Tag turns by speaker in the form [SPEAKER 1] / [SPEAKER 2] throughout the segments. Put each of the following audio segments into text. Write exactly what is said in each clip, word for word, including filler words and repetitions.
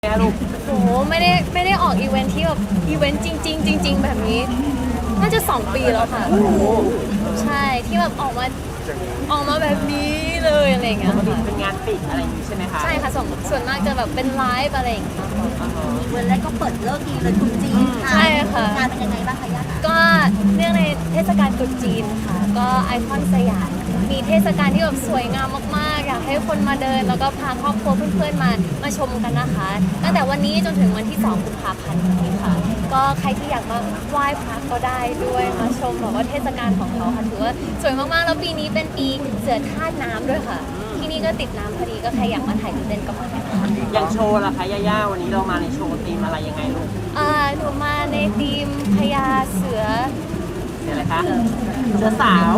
[SPEAKER 1] แม่ลูก
[SPEAKER 2] โหไม่ได้ไม่ได้ออกอีเวนท์ที่แบบอีเวนต์จริงๆจริงๆแบบนี้น่าจะสองปีแล้วค่ะใช่ที่แบบออกมาออกมาแบบนี้เลยอะไรอย่างเงี้ยค่ะ
[SPEAKER 1] เป็นงานปิดอะไรอย่างนี้ใช่ไหมคะ
[SPEAKER 2] ใช่ค่ะส่วนส่วนมากจะแบบเป็นไลฟ์อะไรอย่างเงี้ย
[SPEAKER 3] วันแรกก็เปิดเลิกดีเลยตรุษจีนค่ะ
[SPEAKER 2] ใช่ค่ะ
[SPEAKER 3] งานเป็นยังไงบ้างคะย่าคะ
[SPEAKER 2] ก็เนื่องในเทศกาลตรุษจีนค่ะก็ไอคอนสยามมีเทศกาลที่แบบสวยงามมากๆอยากให้คนมาเดินแล้วก็พาครอบครัวเพื่อนๆมามาชมกันนะคะตั้งแต่วันนี้จนถึงวันที่สองกุมภาพันธ์นี้ค่ะก็ใครที่อยากมาไหว้พระก็ได้ด้วยมาชมแบบว่าเทศกาลของเขาค่ะถือว่าสวยมากๆแล้วปีนี้เป็นปีเสือธาตุน้ำด้วยค่ะที่นี่ก็ติดน้ำพอดีก็ใครอยากมาถ่ายรูปเล่นก็มาได้ค่ะ
[SPEAKER 1] อย่างโชว์ล่ะคะย่าๆวันนี้เรามาในโชว์ธีมอะไรยังไงลูก
[SPEAKER 2] อ่าหนูมาในธีมพญาเสือ
[SPEAKER 1] เสืออะไรคะเสือสาว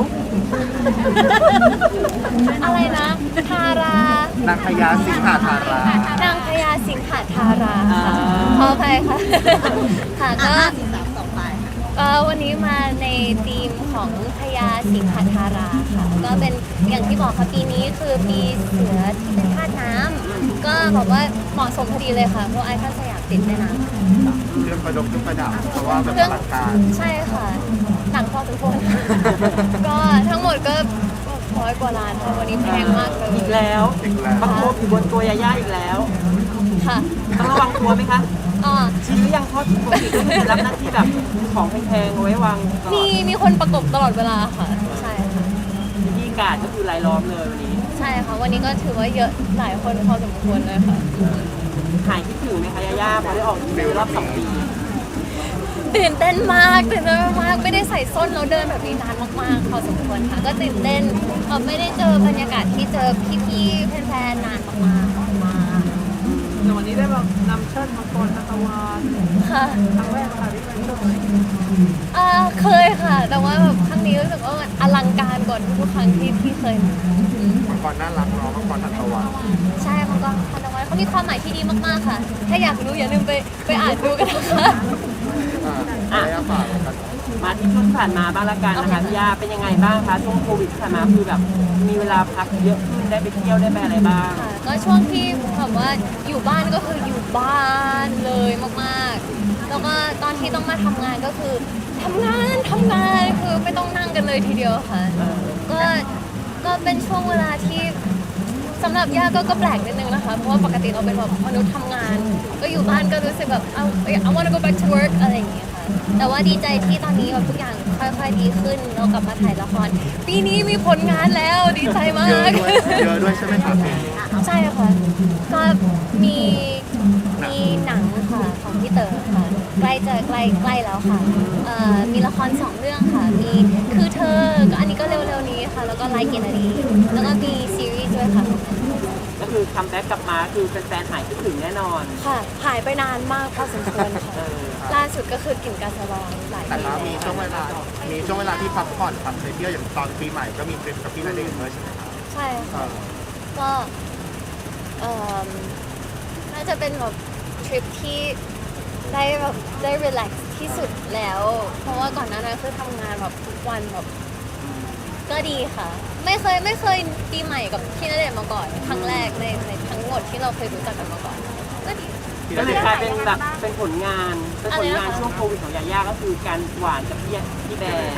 [SPEAKER 2] อะไรนะทาราน
[SPEAKER 4] างพญาสิงหาทาราน
[SPEAKER 2] างพญาสิงหาทาราค่ะขออภัยค่ะค่ะก็
[SPEAKER 3] สิบสามต่อไป
[SPEAKER 2] เอ่อวันนี้มาในธีมของพญาสิงหทาราค่ะก็เป็นอย่างที่บอกค่ะปีนี้คือปีเสือที่เป็นธาตุน้ำก็บอกว่าเหมาะสมพอดีเลยค่ะเพราะไอคอนสยามติดแม่น้ำ
[SPEAKER 4] เครื่องประดกเครื่องประดับเพราะว่าแบบอลังการ
[SPEAKER 2] ใช่ค่ะหนังพอสมควรก็ทั้งหมดก็ร้อยกว่าล้านค่ะวันนี้แพงมากเลย
[SPEAKER 1] อีกแล้วประโคบอยู่บนตัวยาย่าอีกแล้ว
[SPEAKER 2] ค่ะ
[SPEAKER 1] ต้องระวังตัวไหมคะ
[SPEAKER 2] อ๋อ
[SPEAKER 1] ชี้หรือยังเพราะปกติก็คือรับหน้าที่แบบของแพงๆเอาไว้วาง
[SPEAKER 2] มีมีคนประกบตลอดเวลาค่ะใช่ค่ะ
[SPEAKER 1] ที่กาดก็คือรายล้อมเลยวันนี้
[SPEAKER 2] ใช่ค่ะวันนี้ก็ถือว่าเยอะหลายคนพอสมควรเลยค่ะ
[SPEAKER 1] หายคิดถึงไหมคะยาย่าพอได้ออกในรอบสองปี
[SPEAKER 2] ตื่นเต้นมากตื่นเต้นมากไม่ได้ใส่ส้นแล้วเดินแบบนี้นานมากๆพอสมควรค่ะก็ตื่นเต้นเออไม่ได้เจอบรรยากาศที่เจอพี่ๆแฟนๆนานมากๆมาก
[SPEAKER 1] แต่วันนี้ได้แบบนำเชิดมังกรนัตวาน
[SPEAKER 2] ค่ะ
[SPEAKER 1] ครั้งแรกค่ะที่ไปเชิด
[SPEAKER 2] อ่าเคยค่ะแต่ว่าแบบครั้งนี้รู้สึกว่ามันอลังการกว่าทุกครั้งที่ที่เคยมา
[SPEAKER 4] มังกรน่ารักเนาะมังกรนัตวาน
[SPEAKER 2] ใช่มังกรนัตวานเขามีความหมายที่ดีมากๆค่ะถ้าอยากรู้อย่าลืมไปไปอ่านดูกันนะคะ
[SPEAKER 4] อ่ะฝากกัน
[SPEAKER 1] มาที่ช่วงผ่านมาบ้างละกันนะคะพี่ย่าเป็นยังไงบ้างคะช่วงโควิดผ่านมาคือแบบมีเวลาพักเยอะขึ้นได้ไปเที่ยวได้ไปอะไรบ้าง
[SPEAKER 2] ก็ช่วงที่แบบว่าอยู่บ้านก็คืออยู่บ้านเลยมากๆแล้วก็ตอนที่ต้องมาทำงานก็คือทำงานทำงานคือไม่ต้องนั่งกันเลยทีเดียวค่ะก็ก็เป็นช่วงเวลาที่สำหรับย่าก็ก็แปลกนิดนึงนะคะเพราะว่าปกติเราเป็นแบบมนุษย์ทำงานก็อยู่บ้านก็รู้สึกแบบ I I want to go back to work อะไรอย่างเงี้ยค่ะแต่ว่าดีใจที่ตอนนี้แบบทุกอย่างค่อยๆดีขึ้นเรากลับมาถ่ายละครปีนี้มีผลงานแล้วดีใจมาก
[SPEAKER 4] เยอะด้วยเยอะด้วยใช่ไหมคะพี่
[SPEAKER 2] ใช่ค่ะก็มีมีหนังค่ะของพี่เต๋อค่ะใกล้จะใกล้ใกล้แล้วค่ะเอ่อมีละครสองเรื่องค่ะมีคือเธอก็อันนี้ก็เร็วๆนี้ค่ะแล้วก็ไลค์เกนดีแล้วก็มีซีรีส์ด้วยค่ะ
[SPEAKER 1] ก็คือคัมแบ็กกลับมาคือแฟนๆหายคิดถึงแน่นอน
[SPEAKER 2] ค่ะหายไปนานมากพอสมควรค่ะล่าสุดก็คือกลิ่นกาสะลองหลาย
[SPEAKER 4] แต่
[SPEAKER 2] ปี
[SPEAKER 4] มีช่วงเวลามีช่วงเวลาที่พักผ่อนพักไปเที่ยวอย่างตอนปีใหม่ก็มีทริปกับพี่ณเดชน์ด้วยใช่ไหมครับ
[SPEAKER 2] ใช่ค่ะก็เอ่อน่าจะเป็นแบบทริปที่ได้แบบได้รีแลกซ์ที่สุดแล้วเพราะว่าก่อนหน้านั้นคือทำงานแบบทุกวันแบบก็ดีค่ะไม่เคยไม่เคยปีใหม่กับพี่ณเดชน์มาก่อนครั้งแรกในในทั้งหมดที่เราเคยรู้จักกันมาก่อนก็ดี
[SPEAKER 1] ก็เลยกลายเป็นแบบเป็นผลงานเป็นผลงานช่วงโควิดของยาย่าก็คือการหวานกับพี่พี่แบร์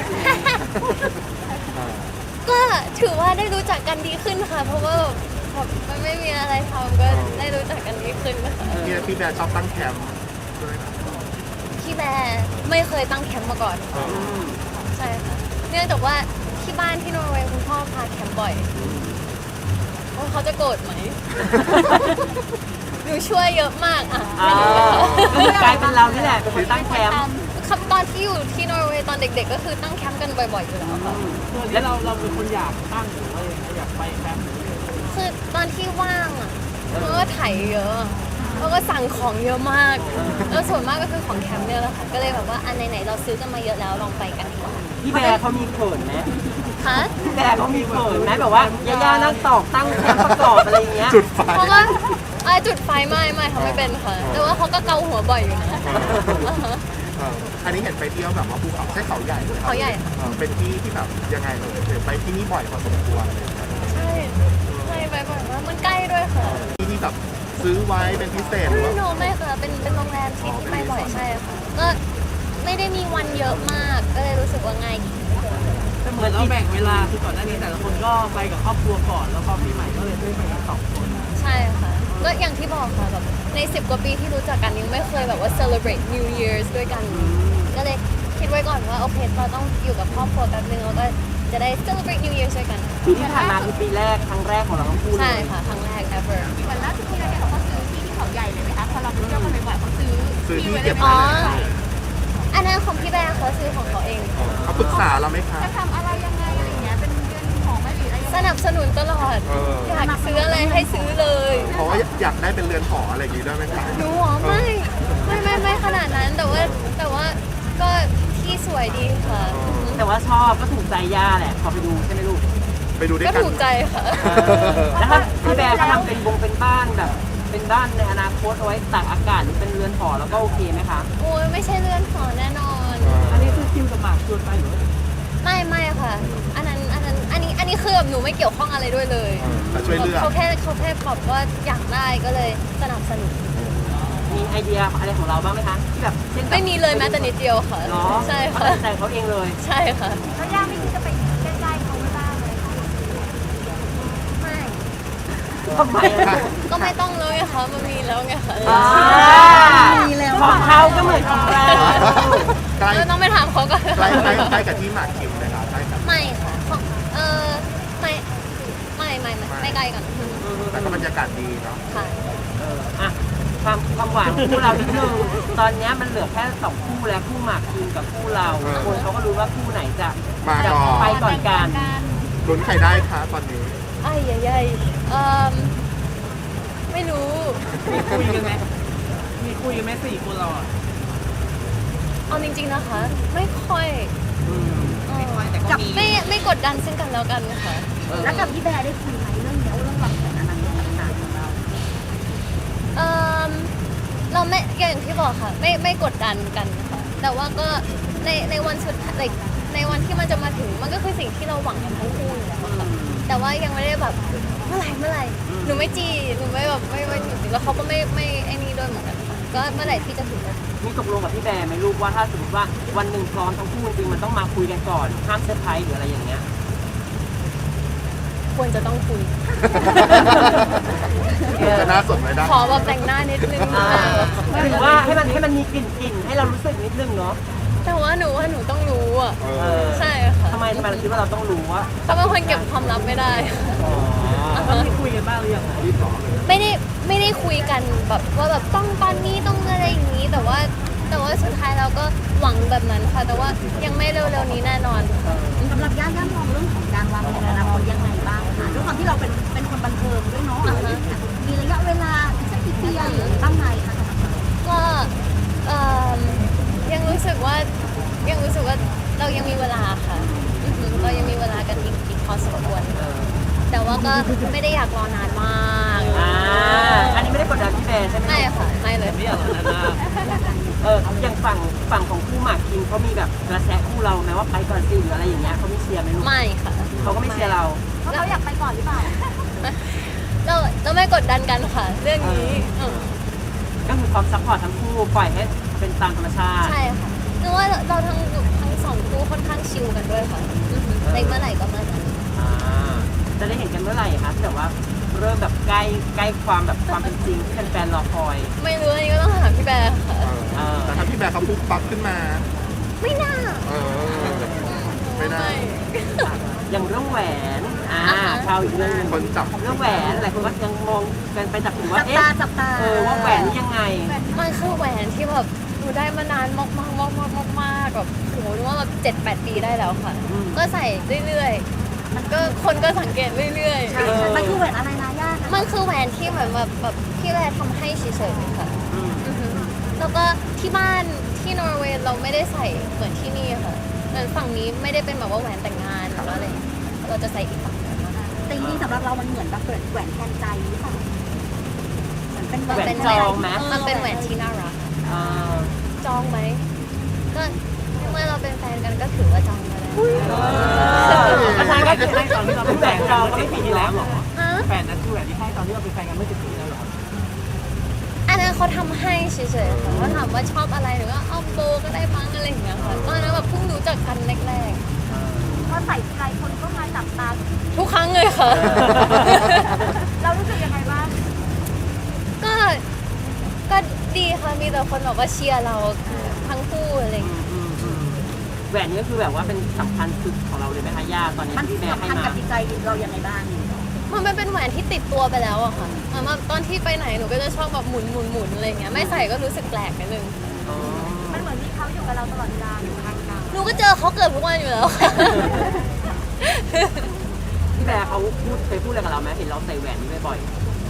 [SPEAKER 2] ก็ถือว่าได้รู้จักกันดีขึ้นค่ะเพราะว่าแบบมันไม่มีอะไรทำก็ได้รู้จักกันดีขึ้นนะคะ
[SPEAKER 4] พี่พี่แบร์ชอบตั้งแคมป์ด้วยนะ
[SPEAKER 2] พี่แบร์ไม่เคยตั้งแคมป์มาก่อนใช่ค่ะเนื่องจากว่าที่บ้านที่นอร์เวย์คุณพ่อพาแคมป์บ่อยว่าเขาจะโกรธไหมหนูช่วยเยอะมากอ่ะ
[SPEAKER 1] กลายเป็นเรานี่แหละเป็นคนตั้งแคมป์
[SPEAKER 2] ครับตอนที่อยู่ที่นอร์เวย์ตอนเด็กๆก็คือตั้งแคมป์กันบ่อยๆอยู่แล้วค่ะ
[SPEAKER 1] แล้วเราเราเป็นคนอยากตั้งหรือว่าอยากไปแคมป์
[SPEAKER 2] คือตอนที่ว่างอ่ะเราก็ถ่ายเยอะแล้วก็สั่งของเยอะมากแล้วส่วนมากก็คือของแคมป์เนี่ยแหละค่ะก็เลยแบบว่าอันไหนๆเราซื้อกันมาเยอะแล้วลองไปกันดีกว่า
[SPEAKER 1] พี่แบร์เขามีเขินไหม
[SPEAKER 2] คะ
[SPEAKER 1] พี่แบร์เขามีเขินไหมแบบว่าย่าๆนั่งตอกตั้งแคมป์ประกอบอะไรอย่างเงี้ย
[SPEAKER 4] จุดไฟ
[SPEAKER 2] เพราะว่าจุดไฟไม่ไม่เขาไม่เป็นค่ะแต่ว่าเขาก็เกาหัวบ่อยอยู่นะ
[SPEAKER 4] อันนี้เห็นไปเที่ยวแบบว่าภูเขาใช่เขาใหญ่เลย
[SPEAKER 2] เขาใหญ่
[SPEAKER 4] เป็นที่ที่แบบยังไงเลยไปที่นี่บ่อยพอสมควร
[SPEAKER 2] ใช่ใช่ไปบ่อยมากมันใกล้ด้วยค่ะ
[SPEAKER 4] ที่ที่แบบซื้อไว้เป็นพิเศษหรือ
[SPEAKER 2] ไม่
[SPEAKER 4] ว่า
[SPEAKER 2] โนไม่ค่ะเป็นเป็นโรงแรมที่ที่ไปบ่อยใช่ค่ะก็ไม่ได้มีวันเยอะมากก็เลยรู้สึกว่าง่ายดี
[SPEAKER 1] เหมือนเราแบ่งเวลาคือก่อนหน้านี้แต่ละคนก็ไปกับครอบครัวก่อนแล้วพอปีใหม่ก็เลยได้ไปกันสองคน
[SPEAKER 2] ใช่ค่ะก็อย่างที่บอกค่ะแบบในสิบกว่าปีที่รู้จักกันยังไม่เคยแบบว่า celebrate New Year's ด้วยกันก็เลยคิดไว้ก่อนว่าโอเคเราต้องอยู่กับครอบครัวแป๊บนึงแล้วก็จะได้ celebrate New Year's ด้วยกัน
[SPEAKER 1] ปีที่ผ่านมาคือปีแรกครั้งแรกของเราทั้งคู่เล
[SPEAKER 2] ใช่
[SPEAKER 1] ย
[SPEAKER 2] ค่ะครั้งแรก ever
[SPEAKER 3] เหมือนล่าสุดที่เราเนี่ยเขาก็ซื้อที่ที่เขาใหญ่เลยไหมคะพอเราไปเที่ยวกันบ่อยๆเขาซื้อ
[SPEAKER 4] ซื้อที่
[SPEAKER 3] ไว้
[SPEAKER 4] เก็บ
[SPEAKER 2] อ๋
[SPEAKER 4] ไว้
[SPEAKER 2] อ
[SPEAKER 4] เลย
[SPEAKER 2] อันนั้นของพี่แบร์เขาซื้อของเขาเอง
[SPEAKER 4] เขาปรึกษาเราไหมคะ
[SPEAKER 3] จะทำอะไรยังไงอะไรอย่างเงี้ยเป็นเดือนของไหมหรืออะไรยัง
[SPEAKER 2] ส
[SPEAKER 3] ไง
[SPEAKER 2] นับสนุนตลอด
[SPEAKER 4] เออ
[SPEAKER 2] อยากซื้ออะไรให้ซื้อเลย
[SPEAKER 4] เพราะว่าอยากได้เป็นเรือนหออะไรอย่างงี้ด้วยไหมคะ
[SPEAKER 2] หนูหรอไม่ไม่ไม่ไม่ขนาดนั้นแต่ว่าแต่ว่าก็ที่สวยดีค่ะ
[SPEAKER 1] แต่ว่าชอบก็ถูกใจย่าแหละพอไปดูใช่ไหมลูก
[SPEAKER 4] ไปดูด้วย
[SPEAKER 2] ก็
[SPEAKER 4] กัน
[SPEAKER 2] ถูกใจค่ะ
[SPEAKER 1] แล้วถ้าพี่แบร์เขาทำเป็นวงเป็นบ้านแบบ เป็นบ้านในอนาคตเอาไว้ตากอากาศหรือเป็นเรือนหอแล้วก็โอเคไหมคะ
[SPEAKER 2] โอ้ยไม่ใช่เลื่อนหอแน่นอน
[SPEAKER 1] อันนี้คือคิวกับหมากชวนไปหรือ
[SPEAKER 2] ไม่ไม่ค่ะ อันนั้นอันนั้นอันนี้อันนี้คือแบบหนูไม่เกี่ยวข้องอะไรด้วยเลย
[SPEAKER 4] แต่ช่วยเลือก
[SPEAKER 2] เขาแค่เขาแค่บอกว่าอยากได้ก็เลยสนับสนุน
[SPEAKER 1] มีไอเดียอะไรของเราบ้างไหมคะที่แบบเช่นแบบ
[SPEAKER 2] ไม่มีเลยแม้แต่นิดเดียวค่ะ
[SPEAKER 1] เนาะ
[SPEAKER 2] ใช่
[SPEAKER 1] เขา
[SPEAKER 2] ค่ะ
[SPEAKER 1] ตัดใจเขาเองเลย
[SPEAKER 2] ใช่ค่ะ
[SPEAKER 3] แล้วย่าไม่คิดจะไปใกล้ๆเขาไม่บ้างเลยค่ะ
[SPEAKER 2] ไม่
[SPEAKER 1] ทำไมอะ
[SPEAKER 2] ก็ไม่ต้องเลยค่ะมันมีแล้วไงค่ะ
[SPEAKER 1] อ่าของเขาก็เหมือนของเรา
[SPEAKER 4] ใกล้
[SPEAKER 2] เออต้องไปถามเขาก่อน
[SPEAKER 4] ใกล้ใกล้ใกล้กับที่หมากคิมเลยค่ะใกล้กับ
[SPEAKER 2] ไม่ค่ะของเออไม่ไม่ไม่ไม่ไม่ใกล้กัน
[SPEAKER 4] แต่ก็บรรยากาศดีเนาะ
[SPEAKER 2] ค่ะ
[SPEAKER 1] เอออ่ะความความหวานของคู่เรานิดนึงตอนเนี้ยมันเหลือแค่สองคู่แล้วคู่หมากคิมกับคู่เราคนเขาก็รู้ว่าคู่ไหนจะ
[SPEAKER 4] มา
[SPEAKER 1] จะ
[SPEAKER 4] ก่อน
[SPEAKER 1] ไปก่อนกัน
[SPEAKER 4] ลุ้นใครได้คะตอนนี้
[SPEAKER 2] ไอ้ใหญ่ๆเอ่อไม่รู้
[SPEAKER 1] มีคุยกันไหมมีคุยกันไหมสี่คนเราอ่ะ
[SPEAKER 2] เอาจริงๆนะคะ ไม่ค่อย
[SPEAKER 1] อืม
[SPEAKER 2] เอ่อ
[SPEAKER 1] แต่ก็มี
[SPEAKER 2] ไม่ไม่กดดันซึ่งกันแล้วกันค่ะ
[SPEAKER 1] เออ
[SPEAKER 3] แล้วกับพี่แบร์ได้คุยไหมเรื่องเนี้ยเรื่องวางแผนอนาคตต่างๆของเรา
[SPEAKER 2] เอ่อเราไม่อย่างที่บอกค่ะ ไม่ไม่กดดันกันค่ะ แต่ว่าก็ในในวันสุดท้าย like ในวันที่มันจะมาถึงมันก็คือสิ่งที่เราหวังกันทั้งคู่อยู่แล้วค่ะแต่ว่ายังไม่ได้แบบเมื่อไหร่เมื่อไหร่หนูไม่จีหนูไม่แบบไม่ไม่จีบแล้วเขาก็ไม่ไม่ไอ้นี่ด้วยเหมือนกันค่ะก็เมื่อไหร่ที่จะถึง
[SPEAKER 1] มีตกลงกับพี่แบร์ไหมลูกว่าถ้าสมมติว่าวันหนึ่งพร้อมทั้งคู่จริงๆมันต้องมาคุยกันก่อนห้ามเซอร์ไพรส์หรืออะไรอย่างเงี้ย
[SPEAKER 2] ควรจะต้องคุย
[SPEAKER 4] จะน่าสนไหมนะ
[SPEAKER 2] ขอแบบแต่งหน้านิดนึง
[SPEAKER 1] อ่า
[SPEAKER 2] ค่ะ
[SPEAKER 1] ถือว่าให้มันให้มันมีกลิ่นกลิ่นๆให้เรารู้สึกนิดนึงเนาะ
[SPEAKER 2] แต่ว่าหนูว่าหนูต้องรู้อ่ะ
[SPEAKER 4] เอ
[SPEAKER 1] เอ
[SPEAKER 4] อ
[SPEAKER 1] อ
[SPEAKER 2] ใช่ค่ะ
[SPEAKER 1] ทำไมทำไมเราคิดว่าเราต้องรู้ว่า
[SPEAKER 2] เพราะเป็นคนเก็บความลับไม่ได้
[SPEAKER 1] อ๋อมีคุยกันบ้างหรือยัง
[SPEAKER 2] ไม่ได้ไม่ได้คุยกันแบบว่าแบบต้องตอนนี้ต้องอะไรอย่างนี้ แต่ว่าแต่ว่าสุดท้ายเราก็หวังแบบนั้นค่ะ แต่ว่ายังไม่เร็วๆนี้แน่นอนค่ะ
[SPEAKER 3] สำหรับย่าย่ามองเรื่องของการวางแผนอนาคตยังไงบ้างคะด้วยความที่เราเป็นเป็นคนบันเทิงด้วยเนาะมีระยะเวลาสักกี่ปีอะไรอย่างเงี้ยบ้างไหมคะ
[SPEAKER 2] ก็เอิ่มยังรู้สึกว่ายังรู้สึกว่าเรายังมีเวลาค่ะอือหือเรายังมีเวลากันอีกอีกพอสมควร
[SPEAKER 1] เออ
[SPEAKER 2] แต่ว่าก็ไม่ได้อยากรอนานมาก
[SPEAKER 1] อ่าอันนี้ไม่ได้กดดันพี่แบร์ใช่ไหม
[SPEAKER 2] ไม่ค่ะไม่เลย
[SPEAKER 1] ไม่อยากรอนานมากเอออย่างฝั่งฝั่งของคู่หมากคิมเขามีแบบกระแสคู่เราไหมว่าไปก่อนสิหรืออะไรอย่างเงี้ยเขาไม่เชียร์ไหมลูก
[SPEAKER 2] ไม่ค่ะ
[SPEAKER 1] เขาก็ไม่เชียร์เรา
[SPEAKER 3] เพราะเขาอยากไปก่อนหรือเปล่า
[SPEAKER 2] เราเราไม่กดดันกันค่ะ เรื่องนี้เออ
[SPEAKER 1] ก็คือความซัพพอร์ตทั้งคู่ปล่อยให้เป็นตามธรรมชาติ
[SPEAKER 2] ใช่ค่ะคือว่าเราทั้งทั้งสองคู่ค่อนข้างชิลกันด้วยค่ะอือหือในเมื่อไหร่ก็เมื่อนั้น
[SPEAKER 1] อ่าจะได้เห็นกันเมื่อไหร่คะที่แบบว่าเริ่มแบบใกล้ใกล้ความแบบความเป็นจริงที่แฟนๆรอคอย
[SPEAKER 2] ไม่รู้อันนี้ก็ต้องถามพี่แบร์ค่ะ
[SPEAKER 4] เออแต่ถ้าพี่แบร์เขาปุ๊บปั๊บขึ้นมา
[SPEAKER 2] ไม่น่า
[SPEAKER 4] เออ ไม่น่า
[SPEAKER 1] อย่างเรื่องแหวนอ่า
[SPEAKER 2] อ่าฮะ
[SPEAKER 1] ชาวอีกเรื่องหนึ่ง
[SPEAKER 4] คนจับ
[SPEAKER 1] เรื่องแหวนหลายคนก็ยังมองกันไปจับถึงว่า
[SPEAKER 3] จับ
[SPEAKER 1] เอ๊ะ
[SPEAKER 3] ตาจับตา
[SPEAKER 1] เออว่าแหวนนี่ยังไง
[SPEAKER 2] มันคือแหวนที่แบบหนูได้มานานมากมากมากมากมากมากแบบโหนึกว่าแบบเจ็ดแปดปีได้แล้วค่ะ
[SPEAKER 1] อืม
[SPEAKER 2] ก็ใส่เรื่อยๆ มันก็คนก็สังเกตเรื่อย
[SPEAKER 3] ใช่ใช่มันคือแหวนอะไรนะย่า
[SPEAKER 2] ๆ มันคือแหวนที่เหมือนแบบแบบที่แบร์ทำให้เฉยๆค่ะ
[SPEAKER 1] อืม
[SPEAKER 2] อือฮึแล้วก็ที่บ้านที่นอร์เวย์เราไม่ได้ใส่เหมือนที่นี่ค่ะเหมือนฝั่งนี้ไม่ได้เป็นแบบว่าแหวนแต่งงานหรือว่าอะไรอย่างเงี้ยเราจะใส่อีกฝั่งหนึ่ง
[SPEAKER 3] แต่จริงๆสำหรับเรามันเหมือนแบบเปิดแหวนแทนใจหรือเปล่าเหมือนเป็น
[SPEAKER 2] มันเป็น
[SPEAKER 1] แหวนจองไหม
[SPEAKER 2] มันเป็นแหวนที่น่ารัก
[SPEAKER 1] อ่า
[SPEAKER 2] จองไหมก็เมื่อเราเป็นแฟนกันก็ถือว่าจองมาแล้ว
[SPEAKER 1] อาจารย์ก็คือให้ตอนที่เราเป็นแหวนจองก็ไม่ผิดอยู่แล้วหรอ
[SPEAKER 2] ฮะ
[SPEAKER 1] แฟนนั้นคือแหวนที่ให้ตอนที่เราเป็นแฟนกันเมื่อสิบปีแล้วเหรอ
[SPEAKER 2] อันนั้นเขาทำให้เฉยๆค่ะเขาถามว่าชอบอะไรหรือว่าเอาโบก็ได้มั้งอะไรอย่างเงี้ยค่ะตอนนั้นแบบเพิ่งรู้จักกันแรก
[SPEAKER 3] พอใส่ทีไรคนก็มาจับตา
[SPEAKER 2] ๆทุกครั้งเลยค่ะ
[SPEAKER 3] เรารู้สึกยังไงบ้าง
[SPEAKER 2] ก็ก็ดีค่ะมีแต่คนบอกว่าเชียร์เราทั้งคู่อะไรอย่างเงี้ย
[SPEAKER 1] แหวนนี้ก็คือแบบว่าเป็นสำคัญสุดของเราเลยไหมคะย่าตอนนี้
[SPEAKER 3] มัน
[SPEAKER 1] ที่แม่
[SPEAKER 3] สำ
[SPEAKER 1] ให้
[SPEAKER 3] คัญ
[SPEAKER 1] มา
[SPEAKER 3] กับจิตใจเรายังไงบ้าง
[SPEAKER 2] มันเป็นแหวนที่ติดตัวไปแล้วอะค่ะเหมือนแบบตอนที่ไปไหนหนูก็จะชอบแบบหมุนหมุนหมุนอะไรอย่างเงี้ยไม่ใส่ก็รู้สึกแปลกนิดนึง
[SPEAKER 1] อ๋อ
[SPEAKER 3] มันเหมือนมีเขาอยู่กับเราตลอดเวลาอยู่ข้างเรา
[SPEAKER 2] หนูก็เจอเขาเกือบทุกวันอยู่แล้วค่ะ
[SPEAKER 1] พี่แบร์เขาพูดเคยพูดอะไรกับเราไหมเห็นเราใส่แหวนนี้บ่อย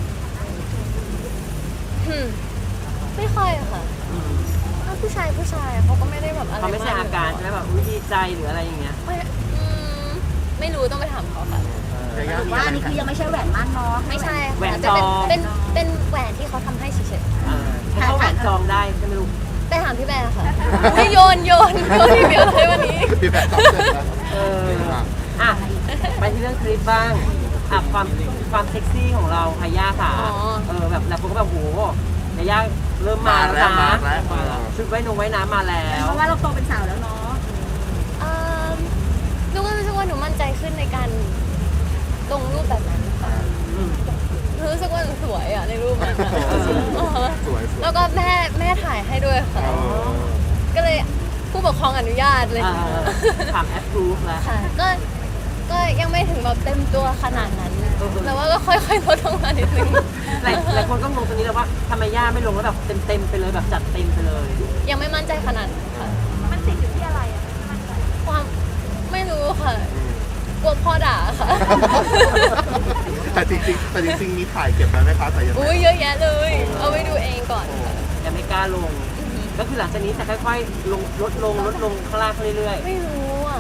[SPEAKER 2] อืมไม่ค่อยอะค่ะ
[SPEAKER 1] ๆอืม
[SPEAKER 2] ถ้าผู้ชายผู้ชายเขาก็ไม่ได้แบบอะไร
[SPEAKER 1] เขาไม่ใช่อาการใช่ไหมแบบอุ๊ยดีใจหรืออะไรอย่างเงี้ย
[SPEAKER 2] ไม่อืมไม่รู้ต้องไปถามเขาค่ะ
[SPEAKER 4] ยาย่า
[SPEAKER 3] หรือ
[SPEAKER 4] มี
[SPEAKER 3] ว่า
[SPEAKER 4] อะ
[SPEAKER 3] อัน
[SPEAKER 4] ไร
[SPEAKER 3] นี้คือยังไม่ใช่แหวนมั่นเนาะ
[SPEAKER 2] ไม่ใช่ค่ะ
[SPEAKER 1] แหวน
[SPEAKER 2] จะเป็น
[SPEAKER 1] จอง
[SPEAKER 2] เป็นเป็นแหวนที่เขาทำให้เฉย
[SPEAKER 1] เออให้เขาแหวนจองได้ใช่ไหมลูก
[SPEAKER 2] ๆไปถามพี่แบร์ค่ะไม่โยนโยนโยนทีเดียวเลยวันนี้
[SPEAKER 4] พี่แบบตอบเสร็จแล้ว
[SPEAKER 1] เอออ่ะไปที่เรื่องคลิปบ้างอ่ะความความเซ็กซี่ของเราค่ะย่าค่ะ
[SPEAKER 2] อ๋อ
[SPEAKER 1] เออแบบหลายคนก็แบบโหยาย่าเริ่มมาแล้ว
[SPEAKER 4] มา
[SPEAKER 1] นะ
[SPEAKER 4] แล้วมาแล้ว
[SPEAKER 1] ชุดว่ายนงว่ายน้ำมาแล้ว
[SPEAKER 3] เพราะว่าเราโตเป็นสาวแล้วเนาะ
[SPEAKER 2] เอิ่มหนูก็รู้สึกว่าหนูมั่นใจขึ้นในการลงรูปแบบนั้นค่ะ
[SPEAKER 1] อืม
[SPEAKER 2] หนูรู้สึกว่าหนูสวยอ่ะในรูปนั้นอะ
[SPEAKER 1] เออ
[SPEAKER 2] เออ
[SPEAKER 4] สวยสวย
[SPEAKER 2] แล้วก็แม่แม่ถ่ายให้ด้วยค่ะ
[SPEAKER 4] เออ
[SPEAKER 2] ก็เลยผู้ปกครองอนุญาตเลย
[SPEAKER 1] เออถามแอปพรูฟแล้ว
[SPEAKER 2] ค่ะ ก็ก็ยังไม่ถึงแบบเต็มตัวขนาดนั้น
[SPEAKER 1] เออ
[SPEAKER 2] แต่ว่าก็ค่อยๆลดลงมานิดนึง
[SPEAKER 1] หลายหลายคนก็งงตรงนี้เลยว่าทำไมย่าไม่ลงแล้วแบบเต็มๆไปเลยแบบจัดเต็มไปเลย
[SPEAKER 2] ยังไม่มั่นใจขนาดนั้นค่ะ
[SPEAKER 3] มันติดอยู่ที่อะไรอ่ะไม่มั่นใจ
[SPEAKER 2] ความไม่รู้ค่ะ กลัวพ่อด่าค่ะ
[SPEAKER 4] แต่จริงๆแต่จริงๆมีถ่ายเก็บไว้ไหมคะแต่ยัง
[SPEAKER 2] อุ้ยเยอะแยะเลย เอาไปดูเองก่อนค่ะ
[SPEAKER 1] ยังไม่กล้าลง ก็คือหลังจากนี้จะค่อยๆลงลดลงลดลงข้างล่างเรื่อย
[SPEAKER 2] ไม่รู้อ่ะ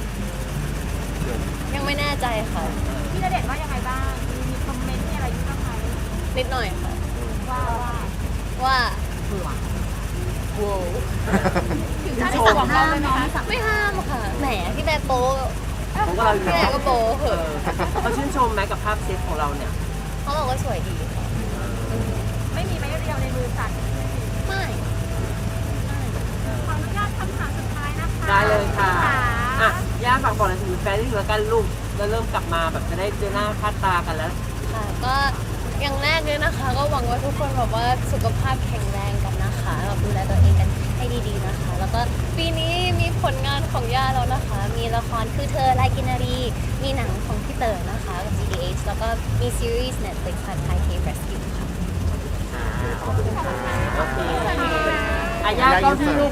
[SPEAKER 2] ยังไม่แน่ใจค่ะ
[SPEAKER 3] พี่ณเดชน์ว่ายังไงบ้าง มีคอมเมนต์มีอะไรอยู่บ้างไหม
[SPEAKER 2] นิดหน่อยค่ะ
[SPEAKER 3] ว่าว่า
[SPEAKER 2] ว่า
[SPEAKER 3] เผื่อ
[SPEAKER 2] โว้ว
[SPEAKER 3] ถึงจะได้สั่งห้ามเนาะไม่สั่ง
[SPEAKER 2] ไม่ห้ามค่ะ แหมพี่แบร์โป๊
[SPEAKER 1] ๆผมก็เราอยู่
[SPEAKER 2] พี่แบร์ก็โป๊เห
[SPEAKER 1] เอ
[SPEAKER 2] อะ
[SPEAKER 1] อเขาชื่นชมไหมกับภาพเซตของเราเนี่ย
[SPEAKER 2] เขาบอกว่าสวยดีค่ะ
[SPEAKER 3] ไม่มีไม้เรียวในมือสั่น
[SPEAKER 2] ไม่
[SPEAKER 3] ขออนุญาตคำถามสุดท้ายนะคะ
[SPEAKER 1] ได้เลยค่ะ
[SPEAKER 3] ค่ะ
[SPEAKER 1] อ่ะย่าฝากบอกอะไรถึงแฟนที่เหลือกันลูกแล้วเริ่มกลับมาแบบจะได้เจอหน้าค่าตากันแล้ว
[SPEAKER 2] ค่ะ ก็อย่างแรกเลยนะคะ ก็หวังว่าทุกคนแบบว่าสุขภาพแข็งแรงกันนะคะแบบดูแลตัวเองกันให้ดีๆนะคะ แล้วก็ปีนี้มีผลงานของย่าแล้วนะคะ มีละครคือเธอลายกินนารี มีหนังของพี่เต๋อนะคะกับ จี ดี เอช แล้วก็มีซีรีส์ Netflix ค่ะ Thai Cave Rescue ค่ะ
[SPEAKER 1] โอเคอ่ะย่าก็ที่ลูก